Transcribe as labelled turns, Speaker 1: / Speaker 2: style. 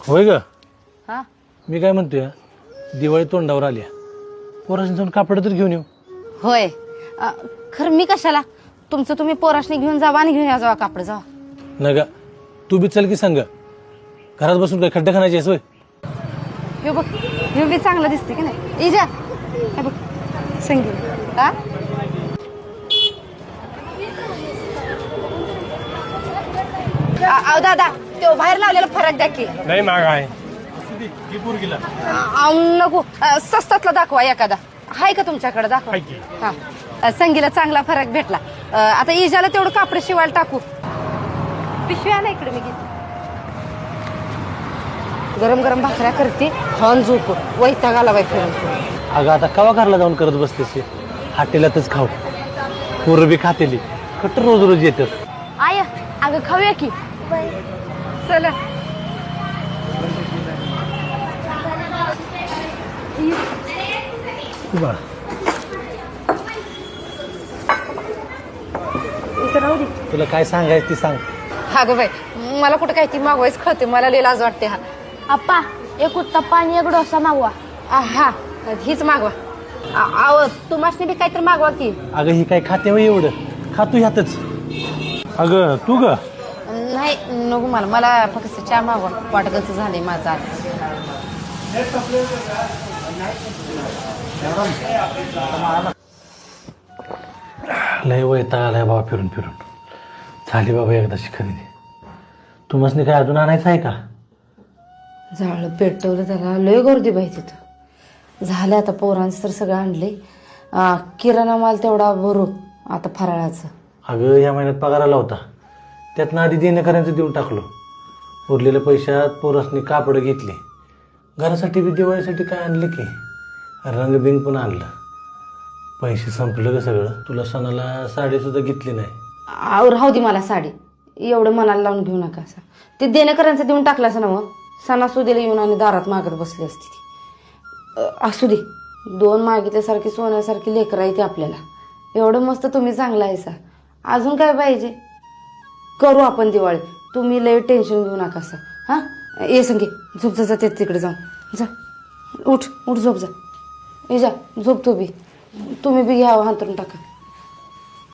Speaker 1: होय ग
Speaker 2: हा
Speaker 1: मी काय म्हणतोय दिवाळी तोंडावर आल्या पोराशी जाऊन कापड तर घेऊन येऊ.
Speaker 2: होय खरं मी कशाला तुमचं तुम्ही पोराशनी घेऊन जावा आणि घेऊन या जावा कापड जावा.
Speaker 1: नाही गा तू बी चल की सांग घरात बसून काय खड्डा खाण्याची आहेस होय.
Speaker 2: हे बघ हे बी चांगलं दिसते की नाही इजा हे बघ संगीत हा दादा तो बाहेर लावलेला फरक द्या की.
Speaker 1: नाही माग आहे
Speaker 2: नको स्वस्तातला दाखवा एखादा आहे का तुमच्याकडे दाखवा. हा संगीला चांगला फरक भेटला. आता इजाला तेवढं कापड शिवायला टाकू. पिशवी आला इकडे मी घेते. गरम गरम भाकऱ्या करते खाऊन झोप वैताग आला बाई फिरून.
Speaker 1: अगं आता कवा घरला जाऊन करत बसतेस हॉटेलातच खाऊ पोरं बी खातेली कट्टर रोज रोज येतात.
Speaker 2: आय अगं खाऊया की चला.
Speaker 1: तुला काय सांगायचं ती सांग.
Speaker 2: अगं बाई मला कुठं काय ती मागवायच कळते मला लई लाज वाटते. हा
Speaker 3: अप्पा एक उत्तप्पा आणि एक डोसा मागवा.
Speaker 2: हा हीच मागवा. आव तुम्हाला बी काहीतरी मागवा की.
Speaker 1: अगं ही काय खाते वय एवढं खातू ह्यातच. अगं तू ग
Speaker 2: नाही नको मला मला फक्त चहा मागवा वाटतच झाले माझं आज.
Speaker 1: लय वैताग आलाय बाबा फिरून फिरून. झाली बाबा एकदाची खरेदी. तुम्हाला काय अजून आणायचं आहे का.
Speaker 2: झालं पेटवलं त्याला लय गर्दी बाई तिथं. झालं आता पोरांचं तर सगळं आणले. किराणा माल तेवढा भरू आता फराळाचं.
Speaker 1: अगं या महिन्यात पगार आला होता त्यातनं आधी देणेकऱ्यांचं देऊन टाकलो. उरलेल्या पैशात पोरासनी कापडं घेतली. घरासाठी बी दिवाळीसाठी काय आणलं की रंगबिंग पण आणलं. पैसे संपलं ग सगळं. तुला सणाला साडीसुद्धा घेतली नाही.
Speaker 2: राहू दे मला साडी एवढं मनाला लावून घेऊ नका. असं ते देणेकऱ्यांचं देऊन टाकलं असं ना मग सणासुदीला येऊन आणि दारात मागत बसली असती ती. असू दे 2 मागितल्यासारखी सोन्यासारखी लेकरं आहे ती आपल्याला. एवढं मस्त तुम्ही चांगला आहे सा. अजून काय पाहिजे. करू आपण दिवाळी. तुम्ही लय टेन्शन घेऊ नका असं. हां ये संगे झोप जा जाते तिकडे जाऊन जा. उठ उठ झोप जा. ये जा झोप तू बी. तुम्ही बी घ्या हांतरून टाका.